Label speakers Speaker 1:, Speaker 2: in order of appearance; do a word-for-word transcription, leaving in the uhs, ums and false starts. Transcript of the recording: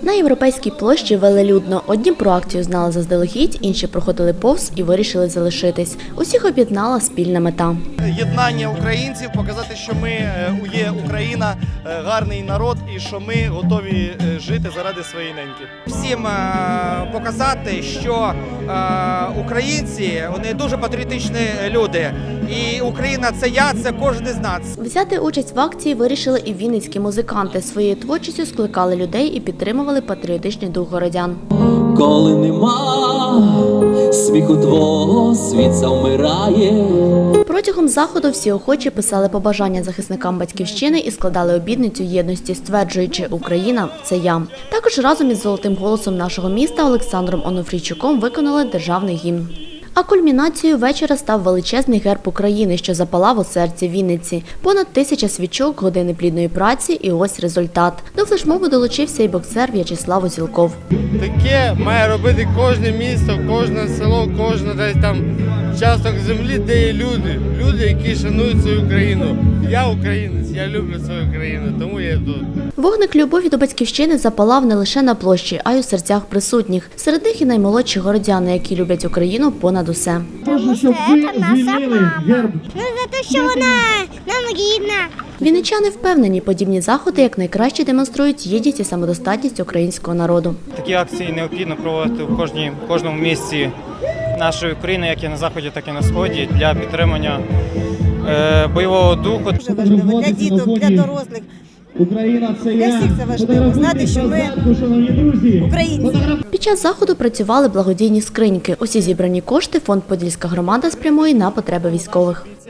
Speaker 1: На Європейській площі велелюдно. Одні про акцію знали заздалегідь, інші проходили повз і вирішили залишитись. Усіх об'єднала спільна мета.
Speaker 2: Єднання українців, показати, що ми є Україна, гарний народ і що ми готові жити заради своєї неньки.
Speaker 3: Всім показати, що українці, вони дуже патріотичні люди. І Україна – це я, це кожен із нас.
Speaker 1: Взяти участь в акції вирішили і вінницькі музиканти. Своєю творчістю скликали людей і підтримували патріотичний дух городян.
Speaker 4: Коли нема сміху твого, світ завмирає.
Speaker 1: Протягом заходу всі охочі писали побажання захисникам батьківщини і складали обітницю єдності, стверджуючи «Україна – це я». Також разом із золотим голосом нашого міста Олександром Онофрійчуком виконали державний гімн. А кульмінацією вечора став величезний герб України, що запалав у серці Вінниці. Понад тисяча свічок, години плідної праці і ось результат. До флешмобу долучився і боксер В'ячеслав Озілков.
Speaker 5: Таке має робити кожне місто, кожне село, кожне десь там часток землі, де є люди. Люди, які шанують свою країну. Я українець, я люблю свою країну, тому я тут.
Speaker 1: Вогник любові до батьківщини запалав не лише на площі, а й у серцях присутніх. Серед них і наймолодші городяни, які люблять Україну понад усе.
Speaker 6: Тому що це наша мама. Ну, за те, що вона нам рідна.
Speaker 1: Вінничани впевнені, подібні заходи якнайкраще демонструють єдність і самодостатність українського народу.
Speaker 7: Такі акції необхідно проводити в кожній, кожному місці нашої України, як і на Заході, так і на Сході, для підтримання е, бойового духу.
Speaker 8: Дуже важливо для діток, для дорослих.
Speaker 9: Україна це
Speaker 8: для всіх це важливо. Знати, що ми українці.
Speaker 1: Під час заходу працювали благодійні скриньки. Усі зібрані кошти фонд «Подільська громада» спрямує на потреби військових.